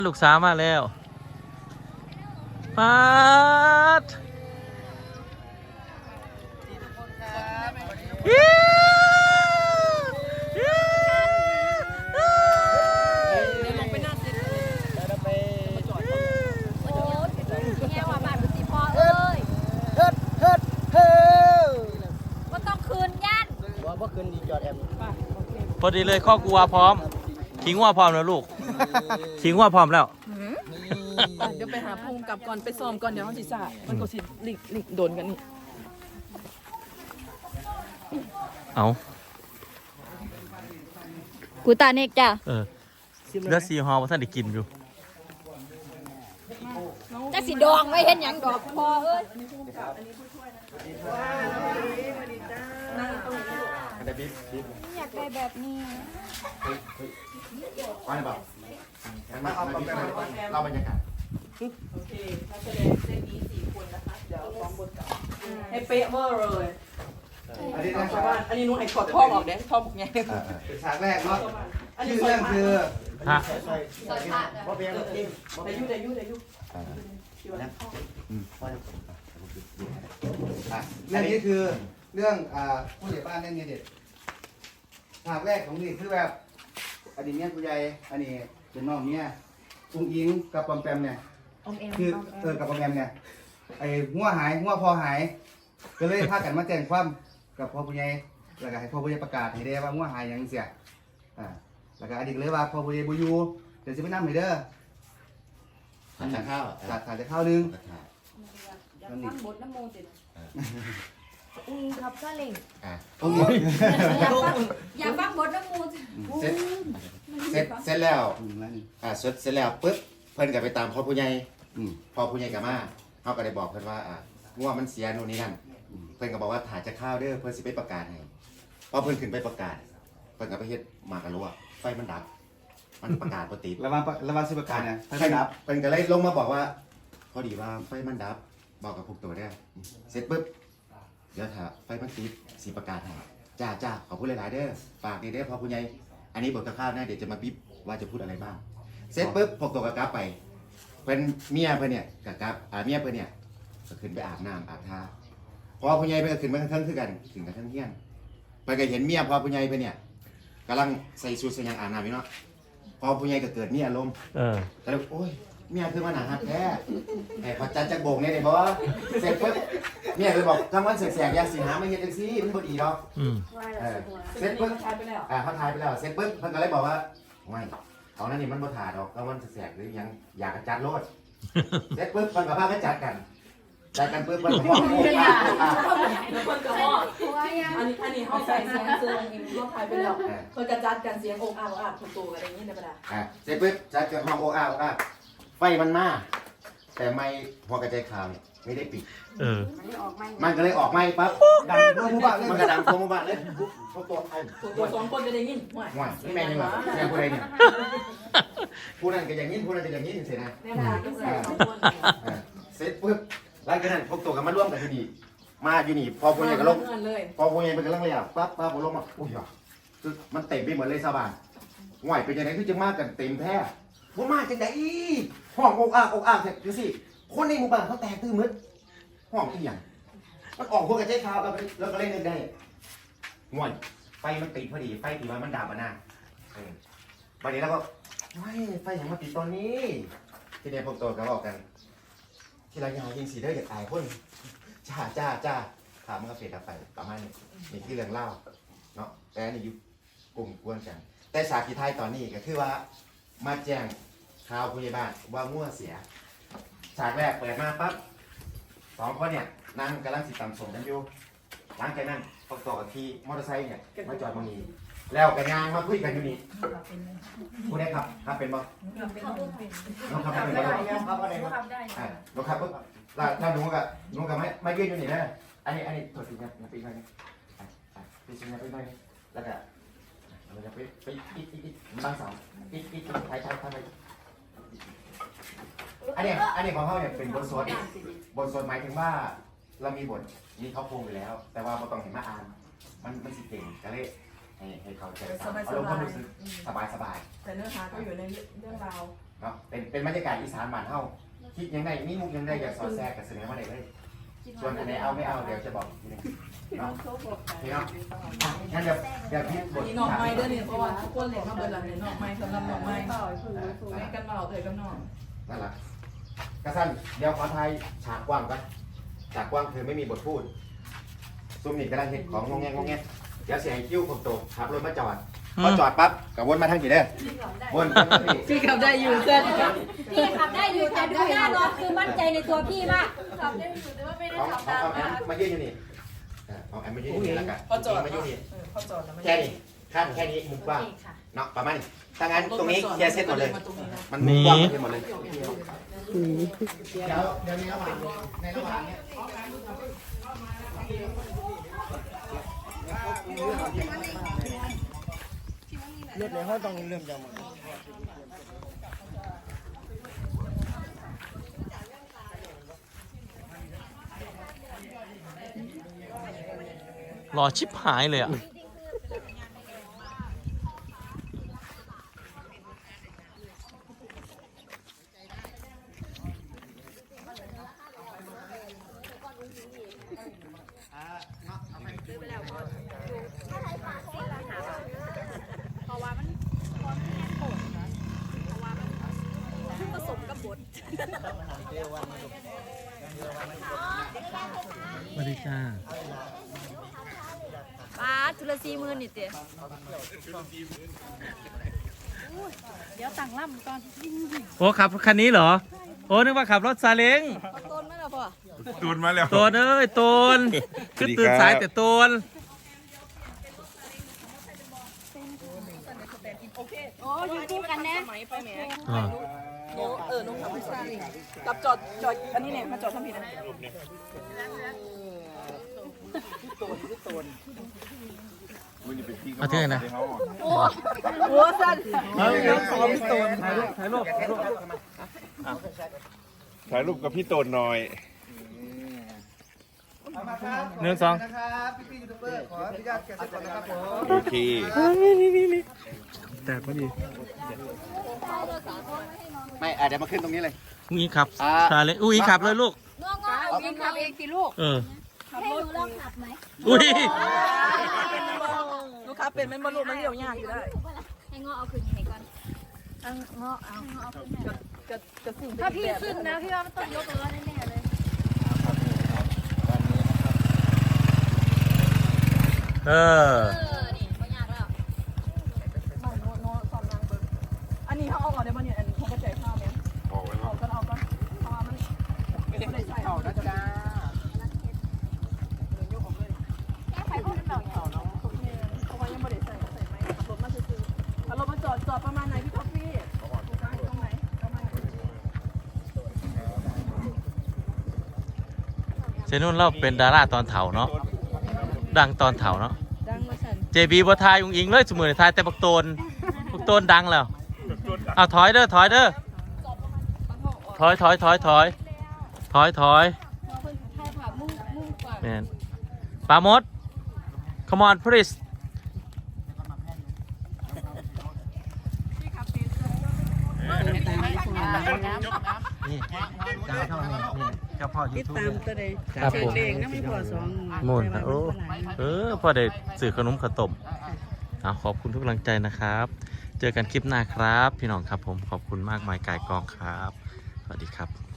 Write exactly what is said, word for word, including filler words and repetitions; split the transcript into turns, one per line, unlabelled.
ลูกสาวมาแล้วปัดพอดีเลยข้อกัวพร้อมขิงว่าพร้อมแล้วลูกขิงว่าพร้อมแล้ว
เดี๋ยวไปหาภูมิกับก่อนไปซ้อมก่อนเดี๋ยวเขาสิสามันก็สิหลิกหลิกโดนกันนี่
เอา
กูตาเนกจ้ะ
เออเลือดซีฮอว่าท่านได้กินอยู่
จะสีดองไม่เห็นอย่างดอกพอเอ้ยอยากได้แบบนี้
ไปบอกมาเอาแบบเราบรรยากาศ
โอเคนักแสดงเส้นนี้สี่คนนะคะเดี๋ยวฟ้องบทกับให้เป๊ะเวอร์เลย
อันนี้นะ
ชาวบ้านอันนี้นุ่งไอ้ขอดท่อออกเด้ท่อบอกไง
เป็นฉากแรกเนาะชื่อเรื่องคือ
ฮะ
พ่อเพียง
แต่ยุ่แต่ยุ่แต่ยุ่
เรื่องนี้คือเรื่องผู้ใหญ่บ้านเล่นเมียเด็ดฉากแรกของนี่คือแบบอดีตเนี่ยผู้ใหญ่อันนี้เป็นน้องเนี่ยอุ้งอิงกับปอมแปมเนี่ยคือเออกับปอมแปมเนี่ยไอ้หัวหายหัวพอหายก็เลยพากันมาแจ้งความกับพ่อผู้ใหญ่แล้วก็ให้พ่อผู้ใหญ่ประกาศให้ได้ว่าหัวหายยังเสียอ่าแล้วก็อดีตเลยว่าพ่อผู้ใหญ่บุยูเดี๋ยวจะไปนั่งให้เด้อ
ทานข้าว
จัดทานจะข้าวนึง
อยากฟังบทน้ำโมจิต
อืมครับก็เล่ง
อ่ะ
อยากฟังบทน้ำมู
เสร็จเสร็จเสร็จแล้วอ่าเสร็จเสร็จแล้วปึ๊บเพิ่นก็ไปตามพ่อผู้ใหญ่พ่อผู้ใหญ่กับมาเขาก็ได้บอกเพิ่นว่าอ่าง่วงมันเสียโน่นนี่นั่นเพิ่นก็บอกว่าถ่ายจะข้าวเด้อเพิ่นสิไปประกาศให้พอเพิ่นขึ้นไปประกาศเพิ่นก็ไปเฮ็ดหมากกะลัวไฟมันดับมันประกาศปกติ
ระวังระวังสิประกาศเนี่ยไฟมันดับ
เพิ่นก็เลยลงมาบอกว่าพอดีว่าไฟมันดับบอกกับพวกตัวได้เสร็จปึ๊บเดี๋ยวถ้าไฟมันติดสีประกาศให้จ้าจ้าขอพูดหลายๆเด้อฝากดีเด้อพ่อผู้ใหญ่อันนี้บทข้าวนะเดี๋ยวจะมาบิ๊บว่าจะพูดอะไรบ้างเสร็จปุ๊บพวกตัวกระกับไปเป็นเมียเพื่อนเนี่ยกระกับอ่าเมียเพื่อนเนี่ยก็ขึ้นไปอาบน้ำอาบท่าพอผู้ใหญ่เพื่อนก็ขึ้นมาทั้งคือกันถึงกันทั้งเที่ยงไปก็เห็นเมียพอผู้ใหญ่เพื่อนเนี่ยกำลังใส่ชุดใส่ยังอาบน้ำอยู่เนาะพอผู้ใหญ่ก็เกิดเมียลมก็เลยโอ้ยเมียคือมันหนาหักแท้ไอ้พอจัดจักโบกเนี่ยเดี๋ยวบอกเสร็จปุ๊บเมียเลยบอกทำวันแสกๆยาสีหาไม่เห็นจังซี่มันบ่ดีหรอกเสร็จปุ๊บอ่าเขาทายไปแล้วเสร็จปุ๊บเพิ่นก็เลยบอกว่าไม่เอานั่นนี่มันบ่ถ่าดอกก็มันแสกหรือยังอยากจัดโลดเสร็จปุ๊บเพิ่นก็พาไปจัดกันจัดกันปุ๊บเพิ่นก็บอก
แล้วเพิ่นก็บอกอันนี้อันนี้เขาใส่เสียงเสียงอีกรอบทายไปแล้วเพิ่นก็จัดกันเสียงอกอาบอาบถูกตัวอะไรอย่างนี้ในประดา
อ่าเสร็จปุ๊บจัดกันห้องอกอาบอาบไฟมันมาแต่ไม่หัวกระจายข่าวเนี่ยไม่ได้ปิด
เออ
มันก็เลยออกไม่ปั๊บ
ดังทั่วหมู่บ้านเลย
มันก็ดังทั่วหมู่บ้านเลยพวกตัวไทย
ตัวสองคนจะได้ยิน
ห่วยห่วยนี่แม่ยังไงแม่ผู้ใดเนี่ยผู้นั้นก็อย่างนี้ผู้นั้นก็อย่างนี้เสร็จนะเสร็จปุ๊บหลังจากนั้นพวกตัวกันมาร่วมกันที่นี่มาอยู่นี่พอผู้ใหญ่ก็ลงพอผู้ใหญ่เป็นกำลังเลยอ่ะปั๊บปั๊บผมลงมาอุ้ยคือมันเต็มไปหมดเลยชาวบ้านห่วยเป็นยังไงคือจะมากันเต็มแท้ว่ามาจังไดห้องอกอ่างอกอ่างเสร็จดูสิคนในหมู่บ้านเขาแตกตื่นมืดห้องที่อย่างมันออกพวกกระเจี๊ยบขาวแล้วแล้วก็เล่นได้ง่วนไฟมันติดพอดีไฟตีว่ามันดับอ่ะนะวันนี้แล้วก็ไม่ไฟอย่างมาติดตอนนี้ที่เดียพวกตัวก็บอกกันที่รายงานยิงสีได้อยากตายคนจ้าจ้าจ้าถามมันก็เฟดดับไปประมาณนี้นี่ที่เรื่องเล่าเนาะแต่นี่อยู่กลุ่มกวนกันแต่ฉากที่ท้ายตอนนี้ก็คือว่ามาแจ้งข่าวผู้ใหญ่บ้านว่ามั่วเสียฉากแรกเปิดมาปั๊บสองคนเนี่ยนั่งกำลังสิตำสมกันอยู่หลังจากนั้นประกอบกับที่มอเตอร์ไซค์เนี่ยมาจอดตรงนี้แล้วกันยางมาคุยกันอยู่นี่ผู้ใดขับขับเป็นบ่น้องขับเป็นบ่ขับอะไรบ่น้องขับปุ๊บแล้วถ้าหนูกับหนูกับไม่ไม่ยืนอยู่นี่นะอันนี้อันนี้ถอดสีเนี่ยปีนไปนี่ปีนไปปีนไปแล้วก็เราจะไปไปอีกอีกอีกบางสองอีกอีกท้ายท้ายท้ายไปอันนี้อันนี้ของเขาเนี่ยเป็นบทสวดบทสวดหมายถึงว่าเรามีบทมีเขาโครงไปแล้ว แต่ว่าเราต้องเห็นมาอ่านมันมันสิเก่งก็เลยให้ให้เขาใจอารมณ์ความรู้สึกสบายสบาย
แต่เนื้อหาก็อยู่ในเรื่องราว
เนาะเป็นเป็นบรรยากาศอีสานบ้านเฮาคิดยังไงมีมุกยังไงอยากสอดแทรกกับเสนอมาได้เลยส่วนอันไหนเอาไม่เอาเดี๋ยวจะบอกทีนึงเนาะพี่เนาะงั้นเดี๋ยวเดี๋ยวพี่บท
นี่น้องไม้เด้อเนี่ยเพราะว่าทุกคนเล่นมาเบิดหลังเนี่ยน้องไม้สำหรับน้องไม้แม่กันเบาเอ่ยกับน้อง
นั่นแหละกระสั้นเดี๋ยวขอไทยฉากกว้างกันฉากกว้างคือไม่มีบทพูดซุ่มนี่กำลังเห็นของงงแงงงงแงเดี๋ยวเสียงคิ้วผมโตขับรถมาจอดพอจอดปั๊บกับวนมาทางกี่เด้อวนมาทางนี้
พี่ขับได้อยู่เส้น
พี่ขับได้อยู่แต่ดูหน้ารถคือมั่นใจในตัวพี่มาก
ขับได้อยู่แต่ว่าไม่ได้
เอา
ขับ
เอา
ตาม
เอาแอมมายืนอยู่นี่เอาแอมมายืนอยู่นี่แล้วกัน
พอจอด
มายืนนี่
พอจอดแล้ว
แค่นี้ขั้นแค่นี้มุมกว้างเนาะประมาณนี้ถ้างั้นตรงนี้เคลียร์เสร็จหมดเลย มันมุมกว้างหมดเลยเดี๋ยวเดี๋ยวในระหว่างในระหว่างเนี้ย
เลือดในห้องต้องเริ่มจากมัน
รอชิบหายเลยอ่ะ
ผสมกับบด
สวัสดีจ้า
ป้าทุลซีมือนี่เตี๋ยเดี๋ยวสั่งล่ำก่อน
โอ้ขับคันนี้เหรอ โอ้นึกว่าขับรถซาเล้ง
เอาต้นไหมล่ะพ่อ
ตูนมาแล้ว
โตนเอ้ยโตนคือตื่นสายแต่โตน
โอ้อยู่คู่กันนะ
ไหมไปแหม
อ่า
เออน้องขับไม่ใช่กับจอดจอดอันนี้เนี่ยมาจอดทำผิดนะ
เอาเท่าไหร่นะ
หัวสั้น
ถ่ายรูปถ่ายรูปถ่ายรูป
ถ่ายรูปกับพี่โตนหน่อย
เอามาครับ
หนึ่งสอง
นะครับพี่ๆยูทูบเบอร์ขออนุญาตแกะเสร็จก่อนนะครับผม
โอเค
แต่พอดี
ไม่อ่ะเดี๋ยวมาขึ้นตรงนี้เลย
อุ้งอิงขับ
อ่า
ซาเล้งอุ้งอิงขับเลยลูก
งอๆเอากินขับเองสิลูก
เออ
ให้หนูลองขับไหม
อุ้ย
ลูกค้าเป็นมันบรรลุมันเดี่ยวยากอยู่ได้
ให้งอเอาขึ้นให้ก่อนเอางอเอางอเอาขึ้นให้
กระกระสิ่ง
ถ้าพี่ขึ้นนะพี่ว่ามันต้องยกล้อแน่ๆเลย
เออ
เออ นี่ไม่ยากแล้ว
มันโน้โน้สอนนางเบิร์อันนี้เขาเอาออกได้ป่ะเนี่ยอันนี้เขาก็ใจข้าวไหม
บอกไว้แล้
เอา
ว
ก็เอาก็เพราะว่ามันไม่ได้ใส่เอาแล้วจ้า
แก้ไขข้อเป็นแบบนี้
เพราะว่ายังไม่ได้ใส่ใส่ไหมขับรถมาซื้อเอารถมาจอดจอดประมาณไหนพี่ท็อฟฟี่ตรงไหนประมาณ
เซนุ่นเราเป็นดาราตอนเถาเนาะ ดังตอนเถาเนาะ
ดังมาสั่น
เจบีบัทายอุ้งอิงเลยสมือทายแต่บักโตนบักโตนดังแล้วเอาถอยเด้อถอยเด้อถอยถอยถอยถอยถอยถอยแมนปาโมด come on please นี่เจ้าเท่านี้นี่เจ้าพ่อยูทูบครับผมมูนโอ้เออพ่อได้สื่อขนมขาวต้มเอาขอบคุณทุกกำลังใจนะครับ เจอกันคลิปหน้าครับ พี่น้องครับผมขอบคุณมากมายกายกองครับ สวัสดีครับ